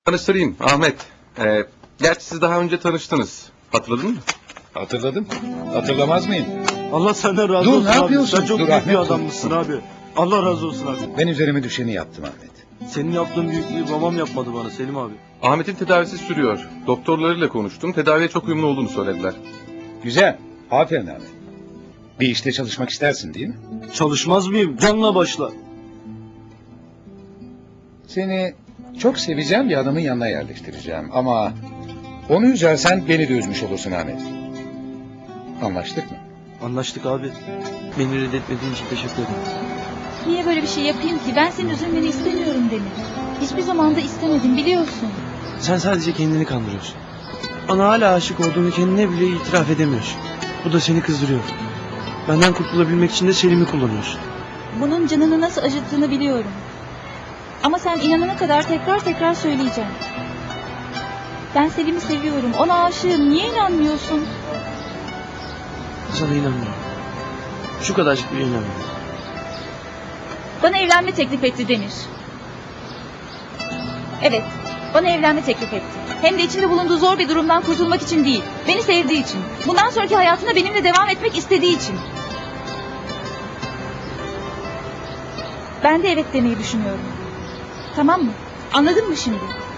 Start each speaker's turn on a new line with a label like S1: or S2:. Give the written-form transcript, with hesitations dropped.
S1: Tanıştırayım Ahmet. Gerçi siz daha önce tanıştınız. Hatırladın mı?
S2: Hatırladım. Hatırlamaz mıyım?
S3: Allah senden razı
S2: Dur,
S3: olsun
S2: ne
S3: abi.
S2: yapıyorsun?
S3: Sen çok
S2: Dur,
S3: büyük bir
S2: Ahmet, dur.
S3: adammışsın abi. Allah razı olsun abi.
S2: Ben üzerime düşeni yaptım Ahmet.
S3: Senin yaptığın büyüklüğü babam yapmadı bana Selim abi.
S1: Ahmet'in tedavisi sürüyor. Doktorlarıyla konuştum. Tedaviye çok uyumlu olduğunu söylediler.
S2: Güzel. Aferin Ahmet. Bir işte çalışmak istersin değil mi?
S3: Çalışmaz mıyım? Canla başla.
S2: Seni çok seveceğim bir adamın yanına yerleştireceğim ama onu üzersen beni de üzmüş olursun Ahmet. Anlaştık mı?
S3: Anlaştık abi. Beni reddetmediğin için teşekkür ederim.
S4: Niye böyle bir şey yapayım ki? Ben senin üzülmeni istemiyorum Demir. Hiçbir zaman da istemedim biliyorsun.
S3: Sen sadece kendini kandırıyorsun. Bana hala aşık olduğunu kendine bile itiraf edemiyorsun. Bu da seni kızdırıyor. Benden kurtulabilmek için de Selim'i kullanıyorsun.
S4: Bunun canını nasıl acıttığını biliyorum. Ama sen inanana kadar tekrar tekrar söyleyeceğim. Ben Selim'i seviyorum. Ona aşığım. Niye inanmıyorsun?
S3: Sana inanmıyorum. Şu kadarcık bile inanmıyorum.
S4: Bana evlenme teklif etti Demir. Evet, bana evlenme teklif etti. Hem de içinde bulunduğu zor bir durumdan kurtulmak için değil. Beni sevdiği için. Bundan sonraki hayatında benimle devam etmek istediği için. Ben de evet demeyi düşünüyorum. Tamam mı? Anladın mı şimdi?